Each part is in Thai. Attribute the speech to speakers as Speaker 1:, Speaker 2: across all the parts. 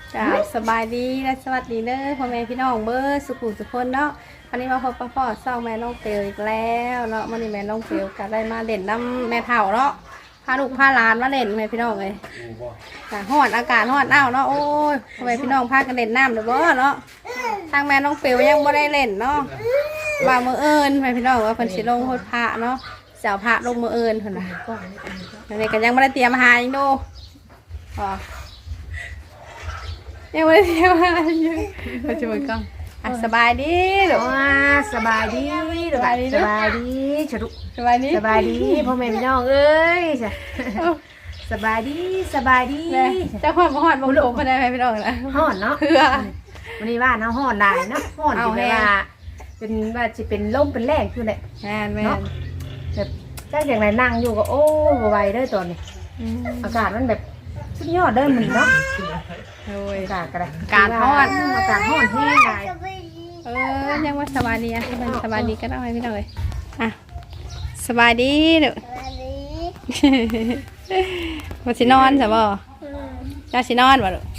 Speaker 1: จ้าสบายดีและสวัสดีเด้อพ่อแม่พี่น้องเบอร์สุขุมสุขคนเนาะวันนี้มาพบกับพ่อเศร้าแม่น้องเปียวอีกแล้วเนาะวันนี้แม่น้องเปียวก็ได้มาเด่นน้ำแม่เฒ่าเนาะพาลูกพาหลานมาเล่นแม่พี่น้องเลยฮ้อนอากาศฮ้อนอ้าวเนาะโอ้ยพ่อแม่พี่น้องพากันเล่นน้ำเด้อบ่เนาะทางแม่น้องเปียวยังบ่ได้เล่นเนาะว่ามื้อเอิญแม่พี่น้องว่าเพิ่นสิลงโพดพระเนาะเจ้าพระลงมื้อเอิญเพิ่นน่ะอันนี้ก็ยังบ่ได้เตรียมอาหารอีกดูอ๋อยังไม่ได้เที่ยวอะไรอยู่ปัจจุบันก็สบายดีหรือว่า
Speaker 2: สบายดีสบายดีฉลุ
Speaker 1: สบายดี
Speaker 2: สบายดีพ่อแม่พี่น้องเอ้ยสบายดีสบายดี
Speaker 1: เจ้าความห่อนบางโลกมาได้ไหมพี่น้องนะ
Speaker 2: ห่อนเนาะ
Speaker 1: เพื่อ
Speaker 2: วันนี้ว่าน้ำห่อนได้เนาะห่อนที่ว่าเป็นว่าจะเป็นลมเป็นแรงคือแหละ
Speaker 1: แม่แม่
Speaker 2: แบบจ้าอย่างไรนั่งอยู่ก็โอ้ไหวเด้อตอนนี้อากาศมันแบบสุดยอดเด้อมันเนาะอากาศกระไร
Speaker 1: การห่อน
Speaker 2: อากาศห่อนแห้งได้
Speaker 1: ยังว่าสบายดีอ่ะมันสบายดีก็ได้พี่น้องเลยอ่ะสบายดีเด้อวันสินอนใช่ป่ะเจ้าสินอนป่ะลูก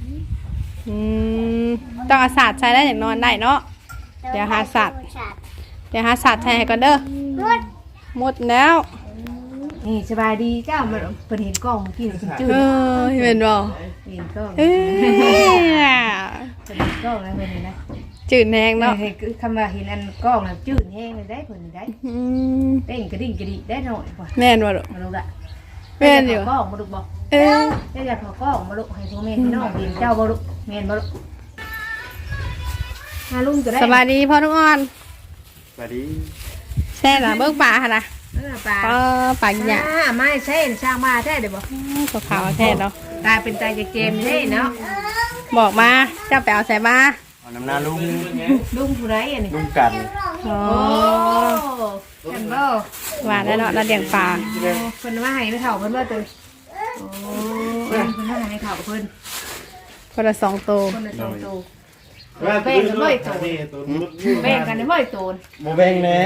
Speaker 1: ต้องอาสาดใช้ได้อย่างนอนได้เนาะเดี๋ยวหาสัตว์ใช้ให้ก่อนเด้อหมดแล้ว
Speaker 2: นี่สบายดีเจ้ามันเป็นเห็นกล้องกินจืด
Speaker 1: เห็นบ่
Speaker 2: เห็นกล้องเป็นกล้องแล้วเป็นนะ
Speaker 1: จืดแห้งเนาะ
Speaker 2: คำว่าเห็นอันกล้องแล้วจืดแห้งเลยได้ผลได้เต้นกระดิ่งกระดิ่งได้หน่อยกว่า
Speaker 1: แม่นบ่ลูก
Speaker 2: มาลูกอะ
Speaker 1: แม่นอยู่
Speaker 2: กล้องมาลูกบอกอยากขอกล้องมาลูกให้พ่อแม่พี่น้องเห็นเจ้าบ่ลูกแม่นบ่ลูกมาลุงจะได้
Speaker 1: สบายดีพ่อทุกคน
Speaker 3: สวัสดี
Speaker 1: แช่ละเบิ้งป่าค่ะนะป่ากินยา
Speaker 2: ไม่ใช่ช่างมาแท้เดี๋ยวบอก
Speaker 1: ตัวขาวแท้เนาะ
Speaker 2: ตาเป็นตาเกมใช่เนาะ
Speaker 1: บอกมาเจ้าไปเอาใส่มา
Speaker 3: เอาน้ำหน้าลุง
Speaker 2: ผู้ไรอันนี้
Speaker 3: ลุงกัน
Speaker 2: โอ้กันบ่
Speaker 1: หวานแล้วเนาะเราเลี้ยงปลา
Speaker 2: เพิ่นว่าให้ไม่เท่าเพิ่นว่าตัวโอ้เพิ่นว่าให้เท่าเพิ่น
Speaker 1: คนละ2 ตัว
Speaker 2: คนละ2 ตัวแบ่งกันบ่อยโตแบ่งกันได้บ่อยโต
Speaker 3: โมแบ่งแน่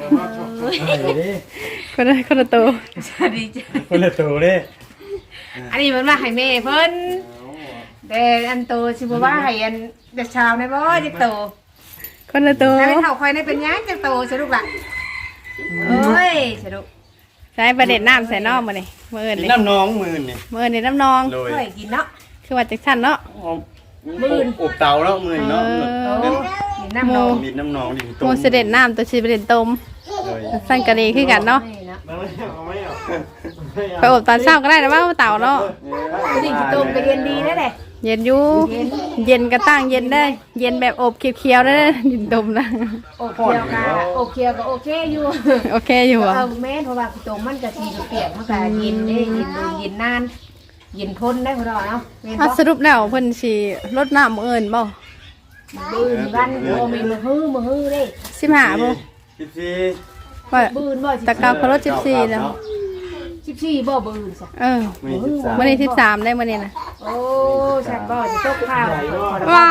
Speaker 1: คนละตัว
Speaker 2: สวัสดีจ้ะ
Speaker 3: คนละตัวเด้
Speaker 2: อันนี้มันว่าให้แม่เพิ่นแต่อันโตสิบ่ว่าให้อันเด็กชาวในบ่จะโต
Speaker 1: คนละตัว
Speaker 2: ให้เฒ่าคอยในเป็นหยังจะโตสิลูกล่ะเอ้ยสิลูก
Speaker 1: ใช้ประเด็นน้ำใส่นอกมาเลยเมื่อเลย
Speaker 3: น้ำน้องมือนี่
Speaker 1: เมื่อนี่น้ำนอง
Speaker 2: เคยกินเนาะ
Speaker 1: คือว่าจักสั่นเนาะ
Speaker 3: มืออบเตาแล้วมือเนาะ
Speaker 2: ดินน้ำนอง
Speaker 3: ดินน้ำนองดินต้ม
Speaker 1: โมเสด็จน้ำตัวชีประเด็นต้มสั่นกะดีขึ้นกันเนาะไปอบตอนเช้าก็ได้นะว่าเต่าเนาะ
Speaker 2: ดินต้มก็เย็นดีได้เลย
Speaker 1: เย็นอยู่เย็นก็ตั้งเย็นได้เย็นแบบอบเคี้ยวๆได้ดินต้มนะ
Speaker 2: อบเคี้ยวก็โอเคอยู่
Speaker 1: โอเคอยู่อ่ะ
Speaker 2: แม่เพราะว่าต้มมันกะทิเปียกมันก็เย็นได้เย็นนานเย็นทนได้พอเนาะ
Speaker 1: สรุปแล้วเพิ่นสิลดน้ำเอิญบ่
Speaker 2: บืนวันโอ้มีมือฮื้อได้
Speaker 1: 15บ่
Speaker 3: 14
Speaker 1: ว่าบืนบ่ตะกาวเขาลด14แล้ว
Speaker 2: 14บ่บืนซะ
Speaker 1: มื้อนี้13ได้มื้อนี้นะ
Speaker 2: โอ้ฉันบ่จะตกข้าว
Speaker 1: ว้า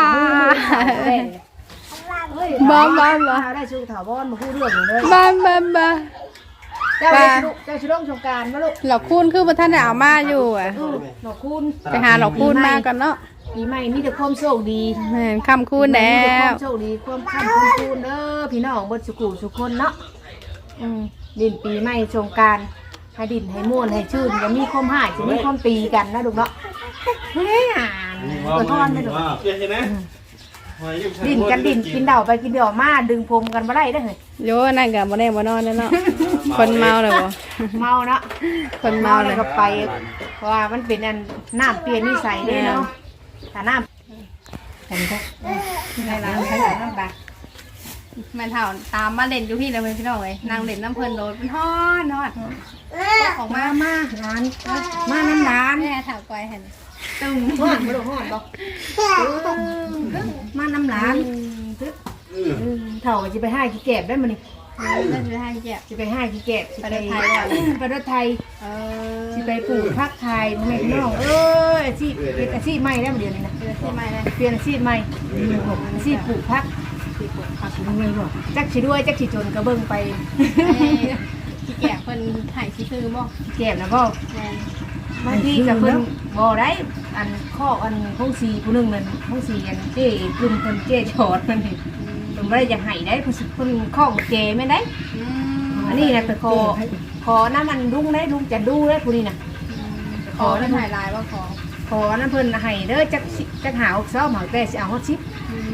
Speaker 1: บ้า
Speaker 2: ได้ชูถาวรมาพูดเรื่องเลย
Speaker 1: บ้า
Speaker 2: เจ้าชุดสงการมาลูก
Speaker 1: หลอกคูณคือบ่ทันได้เอามาอยู่อ่ะ
Speaker 2: หลอกคูณ
Speaker 1: ไปหาหลอกคูณมาก่อนเนาะ
Speaker 2: ปีใหม่มีแต่ความโชคดี
Speaker 1: แม่นค่ำคูณแล้ว
Speaker 2: โชคดีความค่ำคูณเด้อพี่น้องเบิดสุขุสุคนเนาะดินปีใหม่สงการให้ดินให้ม่วนให้ชื่นอย่ามีความหายจะมีความตีกันนะลูกเนาะเฮ้ยตัวทอนไม่ถูกดินกันดินกินเดาไปกินเดามาดึงพรมกันมาได้ได้เลย
Speaker 1: โย่นั่นกับบ่แน่บ่นอนเนาะคนเมาเลยบ่
Speaker 2: เมาเนาะ
Speaker 1: คนเมาเลย
Speaker 2: ก็ไปเพราะว่ามันเป็นอันน้ำเปลี่ยนนิสัยเลยเนาะแต่น้ำเห็นไหมในร้านใช้น้ำปลา
Speaker 1: แม่เฒ่าตามมาเล่นอยู่พี่เลยพี่น้องเลยนางเล่นน้ำเพลินโดดเป็นทอด
Speaker 2: ของมาร้านมาน้ำร้าน
Speaker 1: แม่ถามไปเห็น
Speaker 2: ตึงห่อนมาดูห่อนบอกมาน้ำร้านเถ่าจะไปให้กี่แกบได้มานี่จะไปให้กี่แกบ
Speaker 1: ไปรถไทย
Speaker 2: ไปรถไทยจะไปปลูกพักไทยแม่น้องอาชีพเป็นอาชีพใหม่ได้มาเดือนนี้นะเปลี่ยนอาชีพใหม่อาชีพปลูกพักเงินบอกจักชีด้วยจักชีจนกระเบื้องไป
Speaker 1: กี่แกบคนถ่ายชีคือบ่
Speaker 2: แกบนะบ่บางทีกับเพิ่นบ่ได้อันข้ออันห้องสีผู้หนึงนั่นห้องสีอันเจ้กลุ่มเพิ่นเจ้ชอดเพิ่นนี่เพิ่นบ่ได้จะให้ได้เพิ่นข้อเจแม่นได้อันนี้น่ะไปขอน้ำมันลุงได้ลุงจะดูได้ผู้นี้น่ะ
Speaker 1: ขอเพิ่นถ่ายลายว่าขอ
Speaker 2: ขอน้ำเพิ่นให้เด้อจักหาอกซ้อมหาแต่สิเอาฮอดชิป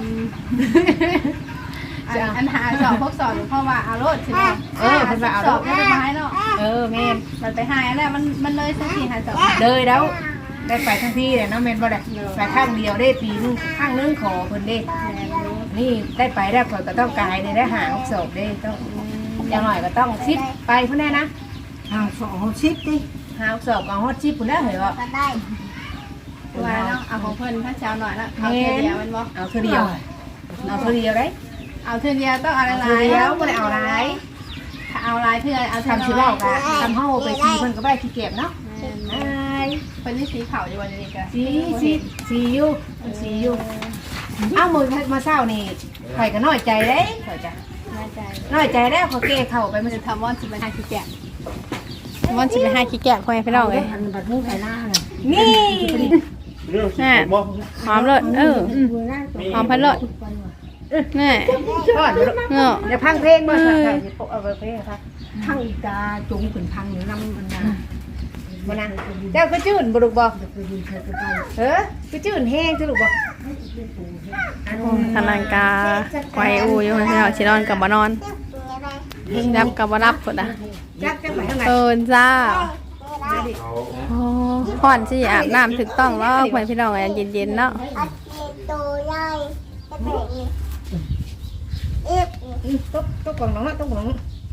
Speaker 1: อันหาสอบพวกสอบหรือเพราะว่าเอารถใช่ไหม
Speaker 2: เพิ่นว่าเอา
Speaker 1: ส
Speaker 2: ร
Speaker 1: อบ
Speaker 2: ถ
Speaker 1: ไม่ได้ไม้เนาะ
Speaker 2: แม่น
Speaker 1: มันไปหายแล้วมันเลยสักทีหาสอบ
Speaker 2: เลยแล้วได้ไปทั้งที่เลยเนาะแม่นบ่ได้ไปข้างเดียวได้ปีนึงข้างนึงขอเพิ่นเด้นี่ได้ไปได้ข่อยก็ต้องกายได้หาอกศพเด้ต้องอย่างหน่อยก็ต้องชิปไปเพิ่นได้นะ
Speaker 4: เอาสองชิปดิ
Speaker 2: หาอกศพเอาฮอดชิปพุ่นแล้วเหรอ
Speaker 1: ว่าเนาะเอาของเพิ่นถ้าเช้าหน่อยละเอาเท่าเดียวมันบ่
Speaker 2: เอาเท่าเดียวเอาเท่าเดียวได้
Speaker 1: เอาเท่าเดียวต้องเอาอะไร
Speaker 2: เท่าเดียวบ่ได้เอาหลาย
Speaker 1: ถ้าเอาลายเพื่อเอา
Speaker 2: ทำสิเว้าก็ทำเฮาไปสีเพิ่นก็บ่ได้ขี้เก็บเนาะ
Speaker 1: เพิ่นนี่สีขาวอยู่วันนี้ก็
Speaker 2: สีอยู่สีอยู่เอ้ามื้อมาเช้านี่ข่อยก็น้อยใจเด้ข่อยจ้ะ
Speaker 1: น่าใจ
Speaker 2: น้อยใจแล้วเขาเก้เข้าไป
Speaker 1: มั
Speaker 2: มัน น
Speaker 1: จะทำว่อนสิไปหาขี้แกะว่อนสิไปหาขี้แกะพ่อแม่พี่น้องเลย
Speaker 4: อันบัดมุ้งไข่หน้าน่ะ
Speaker 2: นี่
Speaker 3: เรื่องสิผมบ่
Speaker 1: หอมเลยหอมพันเลยนี่
Speaker 2: ก่อน
Speaker 1: เนาะ
Speaker 2: เดี๋ยวพังเพลงมาค่ะสิโปะเอาเพลงค่ะ
Speaker 4: ทั้งอีกาจุงขึ้นพังน้ำมันนะ
Speaker 2: บ่นะเจ้าก็จื้นบ่ลูกบ่
Speaker 4: ไปดูเธอไป
Speaker 2: เออก็จื้นแห้งจ้ะลูกบ่
Speaker 1: ทางนางกาไวอูอยู่พี่น้องชินอนกับบ่นอนรับกับบ่รับพุ่นน่ะ
Speaker 2: จักจังไปทางไหน
Speaker 1: เอิ้นจ้า
Speaker 3: เอา
Speaker 1: โอ้ก่อนสิอาบน้ำถูกต้องแล้วเพื่อนพี่น้องเย็นๆเนาะ
Speaker 2: ตุ๊กกล่องน้องตุ๊กกล่อง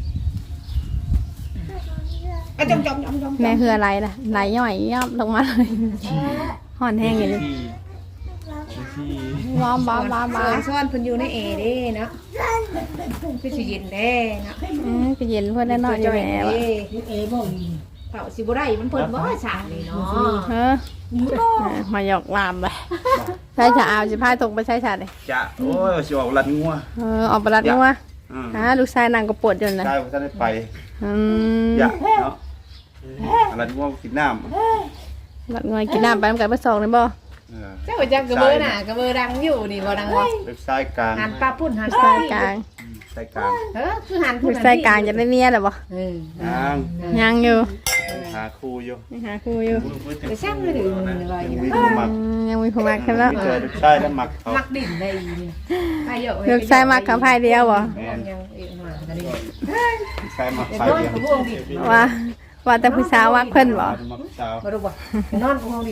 Speaker 2: จม
Speaker 1: แม่คืออะไรล่ะไหลย่อยย่ำลงมาเลยห่อนแห้งอย่างนี้
Speaker 3: ที่
Speaker 1: ว้าวบ้าบ้าบ้า
Speaker 2: ซ่อนเพิ่นอยู่ในเอเด้เนาะคือสิเย็นแด้เนาะ
Speaker 1: ก็เย็นเพื่อนได้นอนอยู่แหวะ
Speaker 4: เอ๋บ่มี
Speaker 2: เผาสิบ่ได้มันเพิ่นบ่สางนี่เนาะ
Speaker 1: เฮ้มาหยอกลามไปใช้ฉาเอาสิพายตกไปใช้ฉาเลย
Speaker 3: จะโอ้ยสิออกลัดงัว
Speaker 1: ออกไปรัดนัว
Speaker 3: อืม
Speaker 1: ลูกชายนางก็ปวดอยู่นะ
Speaker 3: ได้บ่ทันได้ไป
Speaker 1: อ
Speaker 3: อย่าเนาะลัดงัวกินน้ำ
Speaker 1: รัดงอยกินน้ำไปมันกันไปสองเลยบ่
Speaker 2: เจ้าจักกระเบือน่ะกระเบือดังอยู่นี่บ่ดังบ่
Speaker 3: เว็บไซต์กลาง
Speaker 2: หันปลาพุ่นหัน
Speaker 1: ลูกชายกลาง
Speaker 3: ไซต์กลาง
Speaker 2: คือหัน
Speaker 1: ลูกชายกลางจะได้เมียหรอบ่
Speaker 3: ยัง
Speaker 1: ยังอยู่
Speaker 3: หาครูอยู่
Speaker 1: หาครูอยู่
Speaker 2: ไปช่างเลยว่าอย่าง
Speaker 3: มี
Speaker 2: นั้น
Speaker 3: ผู้มัก
Speaker 1: ยังมีผู้มักกันแล้ว
Speaker 3: มีเจอลูกชายแล้วมักเขา
Speaker 2: มักดิ่นได้นี่ไปเยอะ
Speaker 1: ลูกชายมักกับพายเดียวบ่
Speaker 3: แม่น
Speaker 2: ยังเองมาก็ได้
Speaker 3: ลูกชายมัก
Speaker 2: เดี๋ยว
Speaker 3: ไป
Speaker 2: นอน
Speaker 3: เดียว
Speaker 2: กับพวงดิ
Speaker 1: ว่าแต่ผู้สาวมักเพิ่นบ่
Speaker 3: มักสาว
Speaker 2: บ่รู้บ่นอนกับพวงดิ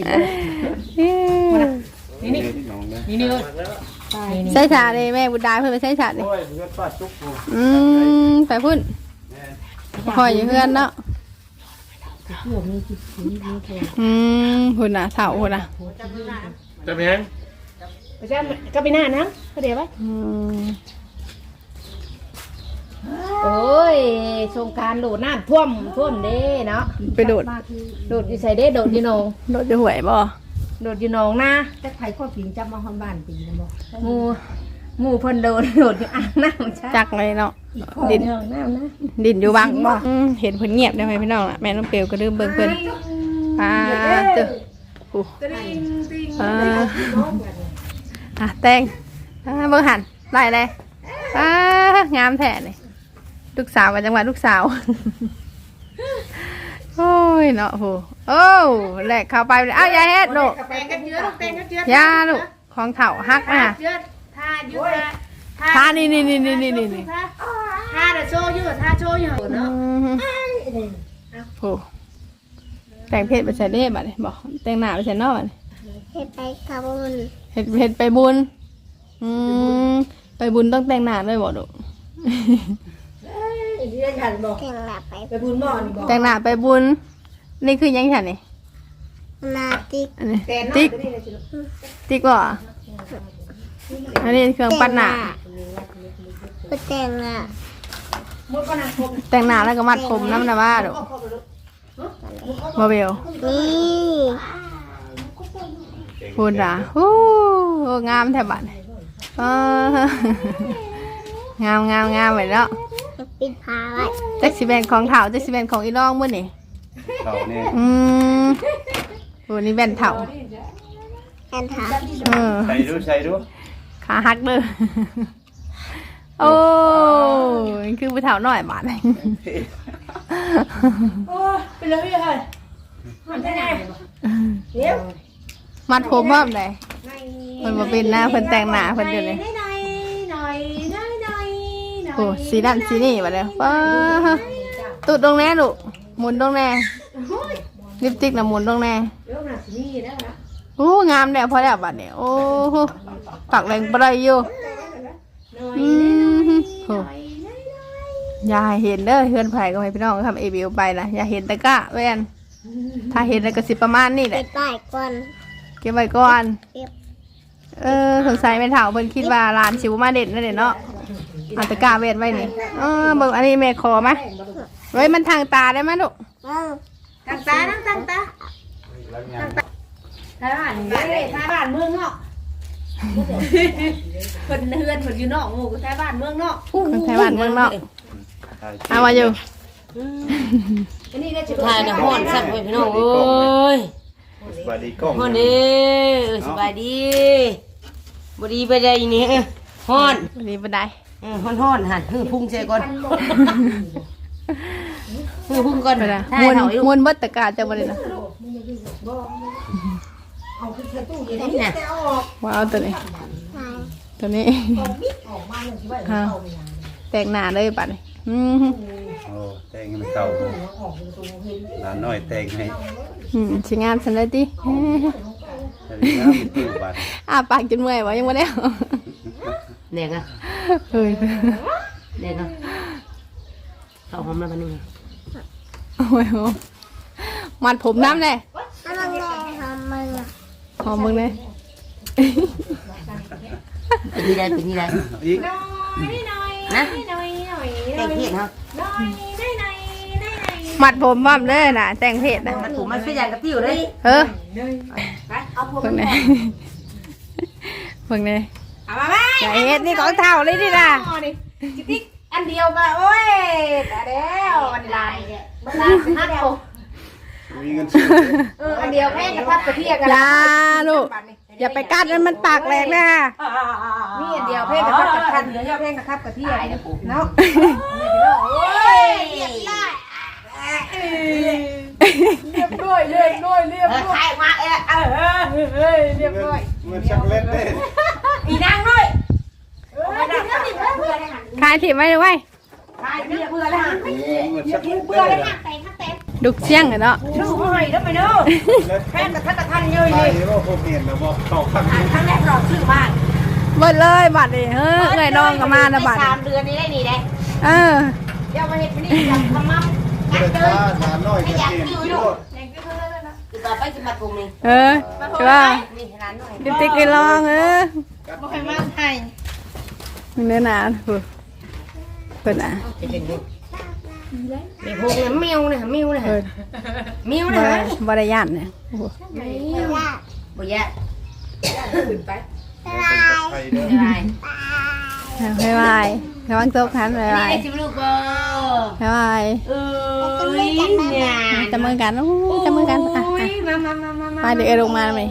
Speaker 3: นี่นี่น้องนะ
Speaker 2: นี่เลย
Speaker 1: ใช้ฉาเลยแม่บุญดาเพิ่นไปใช้ฉาเลย
Speaker 3: โอ้ยเพื่อนป้าจุ๊กกู
Speaker 1: ไปพุ่นคอยอยู่เพื่อนเนาะ
Speaker 4: เพื่อมีจิตสีมีแค่
Speaker 1: พุ่นน่ะเฒ่าพุ่นน่ะ
Speaker 3: จะเป็นยัง
Speaker 2: ไปช่างก็ไปหน้านะก็เดี๋ยวไป โอ้ยสงการโดดน้ำท่วมเด้เนาะ
Speaker 1: ไปโดด
Speaker 2: โดดอยู่ใส่เด้โดดอยู่หนอง
Speaker 1: โดดจะหวยบ่
Speaker 2: โดดอยู่หนองนะ
Speaker 4: แต่ใครก็ผิงจับมาห้องบ้านปีนะบ่
Speaker 2: หมู่เพิ่นโดดอยู่อ่างน้ำใช่
Speaker 1: จักเลยเนาะ
Speaker 2: ดินน้ำนะ
Speaker 1: ดินอยู่บังบ่เห็นเพิ่นเงียบได้ไหมพี่น้องล่ะแม่น้องเปียวก็ลืมเบิ่งเพิ่นตึโอ้แตงเบิ่งหันได้เลยงามแท้เลยลูกสาวกับจังหวัดลูกสาวโอ้ยเนาะโหโอ้แหลกเข้าไปเลยอ้าวยายเฮ็ดลูก
Speaker 2: แตงกันเยอะลูกแตงกันเยอะ
Speaker 1: ยาลูกของเถ่าฮักนะ
Speaker 2: เยอะท่าเยอะ
Speaker 1: ท่านี่
Speaker 2: ท่าเดโชอยู่ท่าโชอยู่เนาะ
Speaker 1: โหแต่งเพศไปใส่เล่บัดนี้บอกแต่งหน้าไปใส่นอกบัดนี้
Speaker 5: เฮ็ดไปกระบุน
Speaker 1: เฮ็ดไปบุญไปบุญต้องแต่งหน้าด้วยบ่ลูก
Speaker 4: เรียนฉันบอก
Speaker 5: เก่งหลับไป
Speaker 4: ไปบุญบ่อนี่บอก
Speaker 1: แต่งหน้าไปบุญนี่คือยังไงนี่
Speaker 5: นาติก
Speaker 1: อันนี้ติ๊กติ๊กบ่อันนี้เครื่องปั้นหน้า
Speaker 5: ก็แต่งอ่ะ
Speaker 1: แต่งหน้าแล้วก็มัดผมน้ำนะว่าลูกบ่เบล
Speaker 5: นี่
Speaker 1: พูดอ่ะโอ้งามแท้บัดงามไว้แล้ว
Speaker 5: ปิดผ้าไว้
Speaker 1: จักสิแบนของเถาจักสิแบนของอีน้องมื้อนี่
Speaker 3: เขาเนี่ย
Speaker 1: วันนี้แว่นเถา
Speaker 5: แอนถาม
Speaker 3: ใส่ดู
Speaker 1: ขาหักเด้อโอ้ยคือไปเถาหน่อยบาดเลย
Speaker 4: โอ้ไปเลยเฮ้ยมันได้ไงเดี๋ยว
Speaker 1: มัดผมบ้ามเลยมันมาเป็นหน้าเพิ่นแต่งหน้าเพิ่นอยู่เลย
Speaker 4: หน่อย
Speaker 1: โอ้สีดำสีนี่มาเลยป้าตุดตรงแน่ลูกหมุนตรงแน่ลิปสติกน่ะหมุนตรงแน่
Speaker 4: เดี๋ยวน่ะสินี่นะ
Speaker 1: โอ้งามแล้วพอแล้วบัดเนี่ยโอ้โหปักแรงปลายอยู่โหอย่าเห็นเด้อเฮือนไผ่ก็ให้พี่น้องทำเอวิวไปนะอย่าเห็นแต่กะแว่นถ้าเห็นแล้วก็สิประมาณนี้แห
Speaker 5: ไป
Speaker 1: ละ
Speaker 5: ป้ายก่อน
Speaker 1: เก็บไว้ก่อน
Speaker 5: เก็บ
Speaker 1: สงสัยแม่เฒ่าเพิ่นคิดว่าร้านสิบ่มาเด็ดนั่นแหละเนาะเอาตะกร้าเวทไว้นี่เบิ่งอันนี้แม่ขอไหมเฮ้ยมันทางตาได้ไหมลูก
Speaker 4: ตั้งตาตั้งตาทายบ้านนี่ทายบ้านเมืองเนาะเพิ่นเฮือนเพิ่นอยู่นอกหมู่ก็ทายบ้านเมืองเนาะ
Speaker 1: คนไทยบ้านเมืองนอกเอามาอยู่
Speaker 4: อันนี้ได้สิ
Speaker 6: ถ่ายนะฮ้อนสักไปพี่น้องเอ้ย
Speaker 3: สบายดีกล้อง
Speaker 6: ฮ้อนเด้สบายดีบ่ดีไปได้นี่ฮ้อน
Speaker 1: วันนี้บันได
Speaker 6: ฮ้อนหั่นพุ่งใส่ก่อนพุ่งก่อน
Speaker 1: ไปนะ
Speaker 6: ถ่าย
Speaker 1: มวน
Speaker 6: เฮาอยู่
Speaker 1: มวนเบิดตะกร้าจะบ่ได้นะ
Speaker 4: เอาขึ้นใส่ตู้นี่
Speaker 6: นี่น่ะ
Speaker 1: ว้าวตัวนี้ตัวนี้
Speaker 4: ออกมาเลยสิว่า
Speaker 1: ฮะแต่งหน้าเลยปัดนี่
Speaker 3: โอ้แต่งให้มันเก่าหลานน้อยแต่งให้
Speaker 1: สิงามสันเลยติ
Speaker 3: แต่ดีนะมีตู้บัตร
Speaker 1: ปากจนเมื่อยวะยังบ่ได้
Speaker 6: แดงอ่ะ
Speaker 1: เฮ้ย
Speaker 6: แดงอ่ะเข้าหอมแล้วบัดนี้
Speaker 1: โอ้ยมัดผมน้ำเลย
Speaker 5: อันนั้นแหละทำมือ
Speaker 1: หอมมึงเลย
Speaker 6: เป็นนี่ได้
Speaker 3: อีก
Speaker 6: นะแต่งเพียรเฮา
Speaker 1: มัดผมบ้ามเลยนะแต่งเพศนะ
Speaker 6: มันถูกมันคืออย่างกับติ้วเลย
Speaker 4: เอาพวก
Speaker 1: เพิ่งไหนเพิ่งไหน
Speaker 4: เอามาไหม
Speaker 1: อย่าเฮ็ดนี่ของเท่าเลยดิล่ะ
Speaker 4: ติ๊กอันเดียวกันโอ้ยแต่แล้วมันลายมันลายสิฮักเอา
Speaker 3: มีเงินซื้อ
Speaker 4: อันเดียวแม่กับพับกระเทียกัน
Speaker 1: อย่าลูกอย่าไปกัดมันมันปากแหลกนะ
Speaker 4: นี่อันเดียวแพ่กับพับกระทันเดี๋ยวแพ่กับพับกระเทียเนาะโอ้ยเรียบร้อยเรียบร้อยเรียบร้อย
Speaker 6: ใครมา
Speaker 4: เรียบร้อย
Speaker 3: เงินชักเล็ดเด้
Speaker 6: อีนางด้วย
Speaker 4: ไม่ได้ค่ะเพื่อนเลยค่ะ
Speaker 1: ขายถิ่มไว้เลยไว้
Speaker 4: ตายเพื่อนเลยค่ะ
Speaker 3: เงินชักเล็ด
Speaker 4: เพื่อนเลย
Speaker 3: เด้
Speaker 4: ค่ะ
Speaker 1: ดุกเชี่ยงเนาะ
Speaker 4: ชู้ให้แล้วไปเนาะแพ่กับทันเยอะ
Speaker 3: ไป
Speaker 4: เลย
Speaker 3: ว่าผมเห็นแล้วบอกเข้าข้างนี้
Speaker 4: ครั้งแรกเราชื่อบ้าน
Speaker 1: เบิดเลยบัตรนี่เฮ้ยเอ้ยน้องก็มานะบัตร
Speaker 6: 3 เดือนนี้ได้นี่ได้
Speaker 4: เดี๋ยวมาเห็นนี่อยากทำมั่ง
Speaker 3: เด็กว่าหลานน้อยจะเห็นที่รถ
Speaker 6: ต่อไปสิมาปรุงนี่
Speaker 1: ใช่ป่ะ
Speaker 6: นี่ร้านหน่อย
Speaker 1: ดิติ๊กไปลอง
Speaker 4: บ่ให้มาไทย
Speaker 1: เนื้อหนาเปิดอ่ะ
Speaker 6: มีพวกเนี่ยแมวเนี่ยแมวเนี่ย
Speaker 1: เปิด
Speaker 6: แมวเนี่ย
Speaker 1: บริยานเนี่ย
Speaker 6: บ่ยะ
Speaker 3: ไปเด้อ
Speaker 6: ได้
Speaker 1: บ๊ายบายระวังโต๊ะคันบ๊ายบาย
Speaker 6: นี่สิลูกบ่
Speaker 1: บ๊ายบาย
Speaker 6: เนี่ย
Speaker 1: จับมือกันจับมือกันอ่ะ
Speaker 6: มา
Speaker 1: มาเดี๋ยวเอลงมาไหม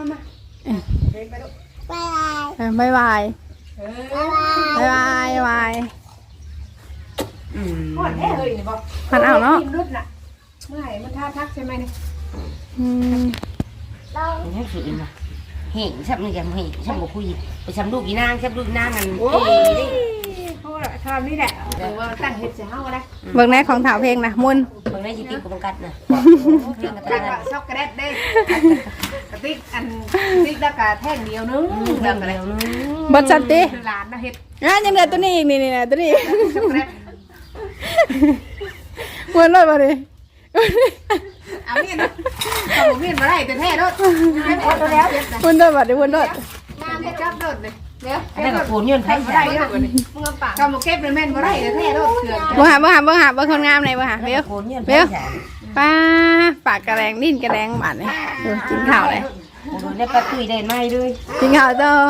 Speaker 5: ไป
Speaker 1: บ๊ายบายบ๊ายบายบ๊ายบาย
Speaker 4: ก่อนแท้เลยนี่บ่
Speaker 1: พันเอาเนาะ
Speaker 4: รุ่นน่ะเมื่อไหร่มันท่าทักใช่ไหมนี่
Speaker 6: ให้สุดเลยนะเห็นชับนี่กันเห็นชับบ่คุยไปชับลูกอีนางชับลูกอีนางกัน
Speaker 4: โอ้ยเขาทำนี่แหละว่าตั้งเห็ดเสียเฮาได้
Speaker 1: เบิ่งแน่ของถาวเพลงนะมุน
Speaker 6: มันไม่สิติกับบังกัดนะ
Speaker 4: ตั้งช็อกโกแลตได้กระติกอันติ๊กแล้วก็แท่งเดียวนึง
Speaker 6: เรื่องอะไรนึง
Speaker 1: บดสันติ
Speaker 4: หลานนะเห็ด
Speaker 1: ยังเหลือตัวนี้อีกนี่นะตัวนี้
Speaker 4: ช็อกโกแลต
Speaker 1: มุนเลยมาดิ
Speaker 4: เอาเนี่ยนะเอาเมียนมาได้แต่แท้รถให้พอตัวแล้ว
Speaker 1: มุนด้วยบัดดิมุนด้วย
Speaker 4: น้ำจะจับรถเลยเดี๋ยว
Speaker 6: อันนั้นกับปูนยืนไผ่
Speaker 4: ไม่ได้เยอะกว่านี้มึงเอาปากกำมาเก็บเลยแม่นมาได้แต่แท้รถเถื่อน
Speaker 1: บ่หาคนงามไหนบ่หาเบล
Speaker 6: ปูนยืน
Speaker 1: เบลป้าปากกระแรงดิ้นกระแรงบาดเลยกินข้าวเลย
Speaker 6: ปูนได้ปลาตุยได้ไหมด้วย
Speaker 1: กินข้าวเจ้า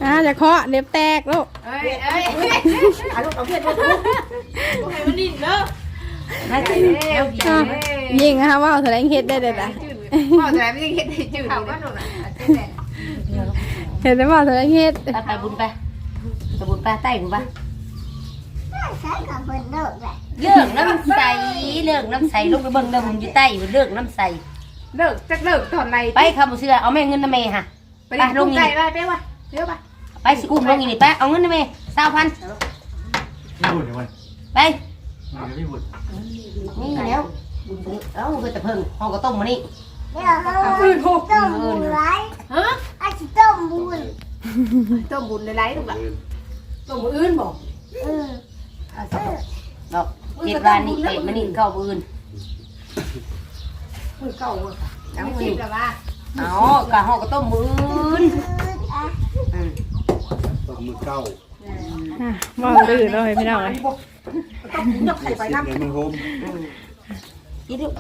Speaker 1: จะเคาะเด็บแตกลูก
Speaker 4: เอ้ยเอาลูกเอาเพื่อนมาทุกให้มันดิ้นเด้อ
Speaker 6: น่าจะแล้ว
Speaker 1: ยิงนะคะว่าแสดงเฮ็ดได้เลยนะ
Speaker 4: พ่อจะไม่ได้เห็นได้จืดเขาก็หนูน่ะ
Speaker 1: เห็นได้ว่าแสดงเฮ็ด
Speaker 6: ไปบุญไปบุญไปใต้บุญไป
Speaker 5: ใช้กับคนโลกแหละ
Speaker 6: เรื่องน้ำใสเรื่องน้ำใสลงไปเบิ่งเดิมอยู่ใต้เรื่องน้ำใส
Speaker 4: เลิกจักเลิกตอนไหน
Speaker 6: ไปคำบุเสือเอาแม่เงินนะแม่ฮะ
Speaker 4: ไปลงใจไปวะเดี๋ยวไป
Speaker 6: ไปสิอุ้มลงอีนี่ไปเอาเงินนะแม่20,000
Speaker 3: ไม่บุญเลยวัน
Speaker 6: ไป
Speaker 3: ไม่บุญ
Speaker 6: นี่แล้วเอ้าเพื่อแต่เพิ่งห้องก็ต้มมานี่
Speaker 5: เดี๋ยวเราต้มบุญไร
Speaker 4: ฮะ
Speaker 5: อาจจะต้มบุญ
Speaker 4: ต้มบุญในไรลูกอ่ะต้มมืออื่นบอก
Speaker 6: ดอก7 วันนี่เป็ดมานี่เก้าปืน
Speaker 4: มือเก่าเลยค่ะน้ำจิ้มกับว่า
Speaker 6: เอากะห้องก็ต้มมืออื่น
Speaker 3: ต้องมือเก้า
Speaker 1: ว่าดื้อเลยพี่น้องเลย
Speaker 4: ต้องยกไข่ไปน้ำ
Speaker 3: เดี๋ยวมันโฮม
Speaker 6: กินดู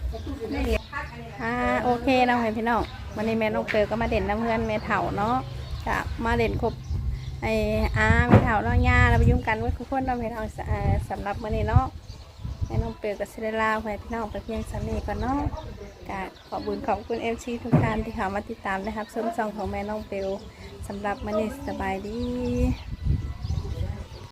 Speaker 1: โอเคน้องพี่น้องวันนี้แม่น้องเปลก็มาเด่นน้ำเพื่อนแม่เฒ่าเนาะจะมาเด่นครบไอ้แม่เฒ่าเนาะย่าเราไปยุ่งกันไว้ทุกคนเราพี่น้องสำหรับวันนี้เนาะแม่น้องเปลก็เสด็จลาไปพี่น้องไปเพียงสำนีก่อนเนาะกะขอบคุณMC ทุกท่านที่เข้ามาติดตามนะครับส้มซองของแม่น้องเปลสำหรับวันนี้สบายดี